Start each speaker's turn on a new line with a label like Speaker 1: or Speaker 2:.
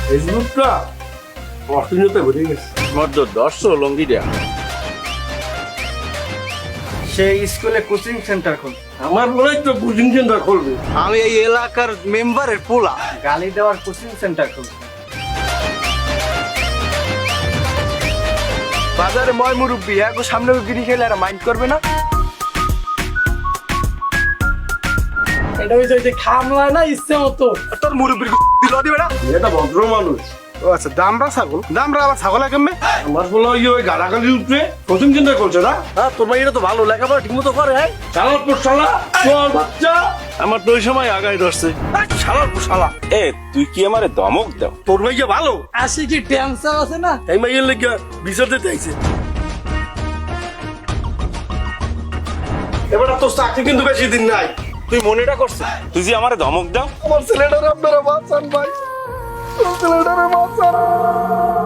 Speaker 1: ফেসবুকটা অশ্লীলতায় ভরে গেছে।
Speaker 2: মধ্য দর্শ লঙ্গি দেয়া
Speaker 3: সে স্কুলে কোচিং সেন্টার খুল।
Speaker 1: আমার মনে হয় তো কোচিং সেন্টার খুলবে।
Speaker 4: আমি এই এলাকার মেম্বারের পোলা।
Speaker 3: গালি দেওয়ার কোচিং সেন্টার খুল।
Speaker 4: বাজারে ময় মুরব্বী একটু সামনে গিরি খেলে আর মাইন্ড করবে না।
Speaker 5: এটা হইছে যে খামলায় না ইচ্ছে মতো।
Speaker 4: তোর মুরব্বীর দিল দিবে না।
Speaker 1: এটা ভদ্র মানুষ।
Speaker 4: ও আচ্ছা, দামরা ছাগল, দামরা আবার ছাগল কেমনে?
Speaker 1: আমার বলে ওই গালাগালি উঠবে কোচিং সেন্টার করছে না।
Speaker 4: হ্যাঁ, তোর ভাই এটা তো ভালো লেখাপড়া ঠিক মতো করে। হ্যাঁ,
Speaker 1: চালার পর শালা চল বাচ্চা।
Speaker 2: আমার তো ওই সময় আগায় ধরছে।
Speaker 4: শালার শালা।
Speaker 2: এ তুই কি আমারে ধমক দাও?
Speaker 1: তোর ভাই যে ভালো
Speaker 5: আসি কি টেনশন আছে না?
Speaker 1: এই মাইয়ের লেগে বিচার দিতে আইছে। এবার তোর চাকরি কিন্তু বেশি দিন নাই।
Speaker 2: তুই মনেটা করছিস তুই যে আমারে ধমক দাও?
Speaker 4: আমার ছেলেটার আপনারা বাঁচান ভাই, ছেলেটারে বাঁচান।